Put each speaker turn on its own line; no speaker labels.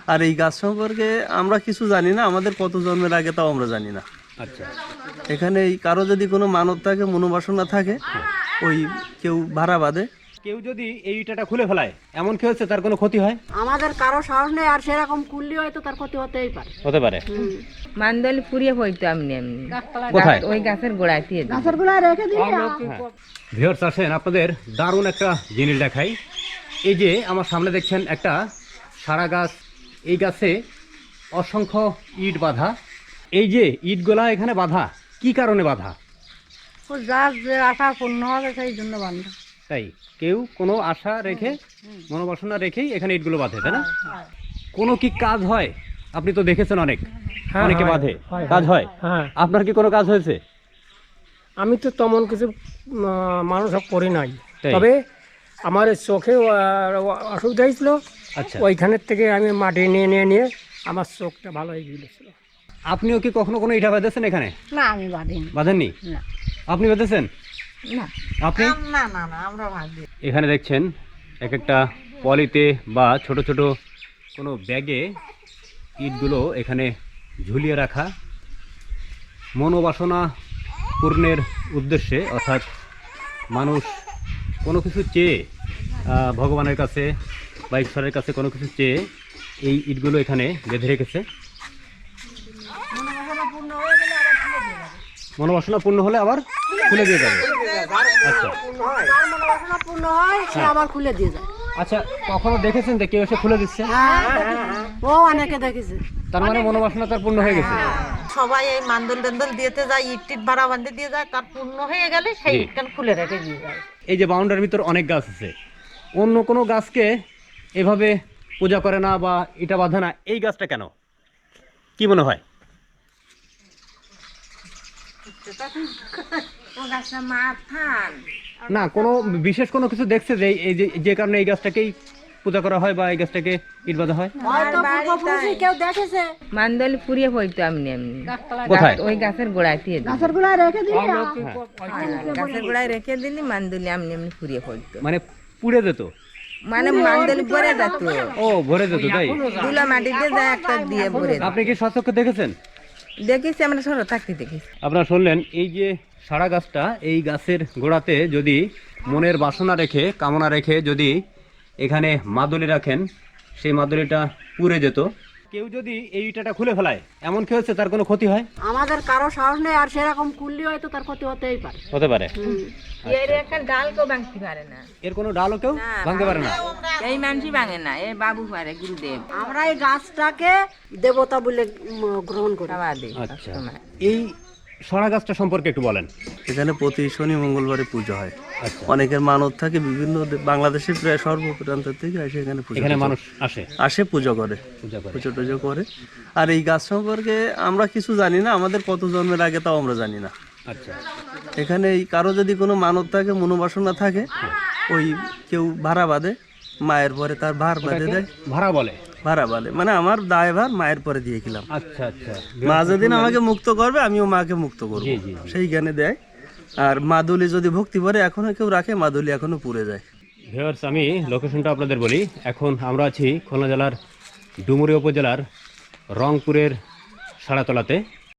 আর এই গাছ সম্পর্কে আমরা কিছু জানি না, আমাদের কত জন্মের আগে তাও আমরা জানি না।
আচ্ছা,
এখানে এই কারো যদি কোনো মানত থাকে, মনোবাসনা থাকে, ওই কেউ ভাড়া বাঁধে।
কেউ যদি এই ইটাটা খুলে ফেলায়, এমন কি হচ্ছে তার কোনো ক্ষতি হয়?
আমাদের কারো সাহস নেই, আর সেরকম কুললি হয়তো তার ক্ষতি হতেই পারে।
হতে পারে।
মান্দল পুড়িয়ে পড়তো এমনি এমনি
কোথায়?
ওই গাছের গোড়ায় দিয়ে দিত।
গাছের গোড়ায় রেখে দিই।
ভিউয়ার্স আসেন, আপনাদের দারুণ একটা জিনিস দেখাই। এই যে আমার সামনে দেখছেন একটা সারা গাছ, এই গাছে অসংখ্য ইট বাঁধা। এই যে ইটগুলা এখানে বাঁধা, কি কারণে বাঁধা?
ও যার যে আশা পূর্ণ হবে সেই জন্য বান্ধব।
তাই কেউ কোনো আশা রেখে, মনোবাসনা রেখেই এখানে ইটগুলো বাঁধে, তাই না? কোনো কি কাজ হয়? আপনি তো দেখেছেন অনেক, অনেকে বাঁধে, কাজ হয়। আপনার কি কোনো কাজ হয়েছে?
আমি তো তেমন কিছু মানুষ করি নাই,
তাই?
তবে আমার এই চোখে অসুবিধা হয়েছিল।
আচ্ছা,
ওইখানের থেকে আমি মাটি নিয়ে আমার চোখটা ভালো হয়ে গিয়েছিল।
আপনিও কি কখনো কোনো ইটা বাঁধেছেন এখানে?
না, আমি বাঁধিনি।
বাঁধেননি?
না।
আপনি বেঁধেছেন?
না,
আপনি?
না, না, না, আমরা বাঁধি।
এখানে দেখছেন এক একটা পলিতে বা ছোট ছোট কোনো ব্যাগে ইটগুলো এখানে ঝুলিয়ে রাখা, মনোবাসনা পূর্ণের উদ্দেশ্যে। অর্থাৎ মানুষ কোনো কিছু চেয়ে, ভগবানের কাছে বা ঈশ্বরের কাছে কোনো কিছু চেয়ে এই ইটগুলো এখানে বেঁধে রেখেছে। মনোবাসনা পূর্ণ হলে আবার খুলে দিয়ে যাবে। আচ্ছা,
যার মনোবাসনা পূর্ণ হয় সে আবার খুলে দিয়ে যায়।
আচ্ছা, কখনো দেখেছেন যে কেউ এসে খুলে দিচ্ছে?
ও অনেকে দেখেছে।
তার মানে মনোবাসনা তার পূর্ণ হয়ে গেছে।
সবাই এই মান্দল টান্দল দিয়েতে যায়, ইট টিট ভাড়া বান্ধে দিয়ে যায়, তার পূর্ণ হয়ে গেলে সেই
জি।
ইটখান খুলে রেখে দিয়ে যায়।
এই যে বাউন্ডারির ভিতর অনেক গাছ আছে, অন্য কোনো গাছকে এভাবে পূজা করে না বা এটা বাঁধে না, এই গাছটা কেন, কি মনে হয়?
ও গাছটা মাথান
না, কোনো বিশেষ কোনো কিছু দেখছে যে এই যে কারণে এই গাছটাকেই পূজা করা হয় বা এই গাছটাকে ইট বাঁধা হয়?
হয়তো পূর্বপুরুষে কেউ দেখেছে।
মান্দল পুড়িয়ে পড়তো এমনি এমনি
কোথায়?
ওই গাছের গোড়ায় দিয়ে দিত।
গাছের গোড়ায় রেখে দিই।
গাছের গোড়ায় রেখে দিলি মান্দুলি এমনি এমনি পুড়িয়ে পড়তো।
মানে পুড়ে যেত?
মানে মান্দল ভরে যেত,
ও, ভরে যেত, তাই?
দুলা মাটিতে যায় একটা দিয়ে ভরে যেত।
আপনি কি সচক্ষে দেখেছেন?
দেখেছি, আমরা ছোট থাকতে দেখেছি।
আপনারা শুনলেন, এই যে সারা গাছটা, এই গাছের গোড়াতে যদি মনের বাসনা রেখে, কামনা রেখে যদি এখানে মাদুলি রাখেন, সেই মাদুলিটা পুড়ে যেত। কেউ যদি এই ইটাটা খুলে ফেলায়, এমন কি হচ্ছে তার কোনো ক্ষতি হয়?
আমাদের কারো সাহস নেই, আর সেরকম কুললি হয়তো তার ক্ষতি হতেই পারে।
হতে পারে।
এর একটা ডাল কেউ ভাঙতে পারে না,
এর কোনো ডালও কেউ ভাঙতে পারে না?
এই মানুষই ভাঙে না, এ বাবু পারে, গুরুদেব
আমরা এই গাছটাকে দেবতা বলে গ্রহণ করি।
খাওয়া দেয়।
আচ্ছা, এই সরা গাছটা সম্পর্কে একটু বলেন।
এখানে প্রতি শনি মঙ্গলবারে পুজো হয়।
আচ্ছা,
অনেকের মানত থাকে, বিভিন্ন বাংলাদেশের প্রায় সর্বপ্রান্ত থেকে এসে এখানে পুজো
এখানে
টুজো
মানুষ আসে,
আসে, পুজো করে,
পূজা করে।
পুজো টুজো করে। আর এই গাছ সম্পর্কে আমরা কিছু জানি না, আমাদের কত জন্মের আগে তাও আমরা জানি না।
আচ্ছা,
এখানে এই কারো যদি কোনো মানত থাকে, মনোবাসনা থাকে, ওই কেউ ভাড়া বাঁধে, মায়ের পরে তার ভার বাঁধে দেয়।
ভাড়া বলে?
ভাড়া বলে মানে আমার দায় ভার মায়ের পরে দিয়ে গেলাম।
আচ্ছা, আচ্ছা।
মা যেদিন আমাকে মুক্ত করবে, আমিও মাকে মুক্ত করবো,
জি, জি, জি।
সেই জ্ঞানে দেয়। আর মাদুলি যদি ভক্তি করে এখনো কেউ রাখে, মাদুলি এখনো পুড়ে যায়।
ভিউয়ার্স, আমি লোকেশনটা আপনাদের বলি। এখন আমরা আছি খুলনা জেলার ডুমুরিয়া উপজেলার রংপুরের সাড়াতলাতে।